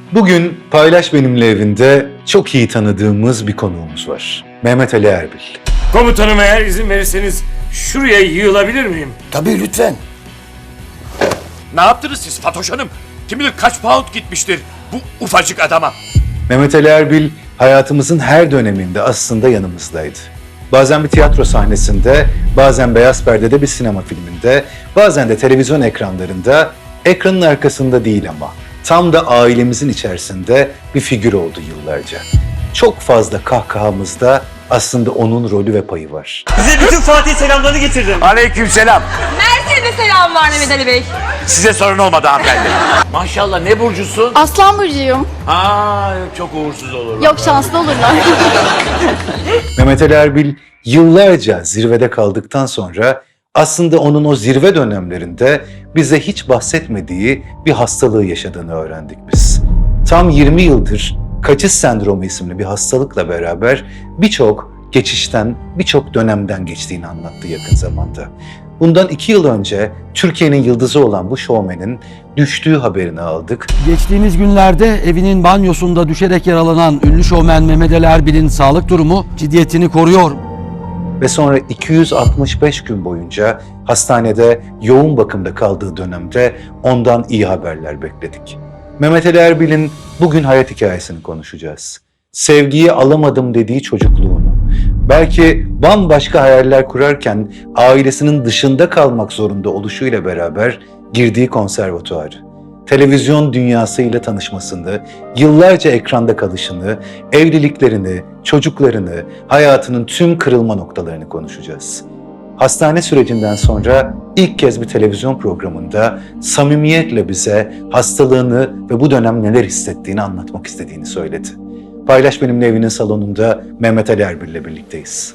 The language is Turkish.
Bugün Paylaş Benimle evinde çok iyi tanıdığımız bir konuğumuz var. Mehmet Ali Erbil. Komutanım, eğer izin verirseniz şuraya yığılabilir miyim? Tabii lütfen. Ne yaptınız siz Fatoş Hanım? Kim bilir kaç pound gitmiştir bu ufacık adama. Mehmet Ali Erbil hayatımızın her döneminde aslında yanımızdaydı. Bazen bir tiyatro sahnesinde, bazen beyaz perdede bir sinema filminde, bazen de televizyon ekranlarında, ekranın arkasında değil ama tam da ailemizin içerisinde bir figür oldu yıllarca. Çok fazla kahkahamızda aslında onun rolü ve payı var. Size bütün Fatih selamlarını getirdim. Aleykümselam. Mersin'de selam var Mehmet Ali Bey. Size sorun olmadı hanımefendi. Maşallah, ne burcusun? Aslan burcuyum. Ha, çok uğursuz olur. Yok, şanslı olurlar. Mehmet Ali Erbil yıllarca zirvede kaldıktan sonra aslında onun o zirve dönemlerinde bize hiç bahsetmediği bir hastalığı yaşadığını öğrendik biz. Tam 20 yıldır kaçış sendromu isimli bir hastalıkla beraber birçok geçişten, birçok dönemden geçtiğini anlattı yakın zamanda. Bundan 2 yıl önce Türkiye'nin yıldızı olan bu şovmenin düştüğü haberini aldık. Geçtiğimiz günlerde evinin banyosunda düşerek yaralanan ünlü şovmen Mehmet Ali Erbil'in sağlık durumu ciddiyetini koruyor. Ve sonra 265 gün boyunca hastanede yoğun bakımda kaldığı dönemde ondan iyi haberler bekledik. Mehmet Ali Erbil'in bugün hayat hikayesini konuşacağız. Sevgiyi alamadım dediği çocukluğunu, belki bambaşka hayaller kurarken ailesinin dışında kalmak zorunda oluşuyla beraber girdiği konservatuarı, televizyon dünyasıyla tanışmasını, yıllarca ekranda kalışını, evliliklerini, çocuklarını, hayatının tüm kırılma noktalarını konuşacağız. Hastane sürecinden sonra ilk kez bir televizyon programında samimiyetle bize hastalığını ve bu dönem neler hissettiğini anlatmak istediğini söyledi. Paylaş Benimle evinin salonunda Mehmet Ali Erbil'le birlikteyiz.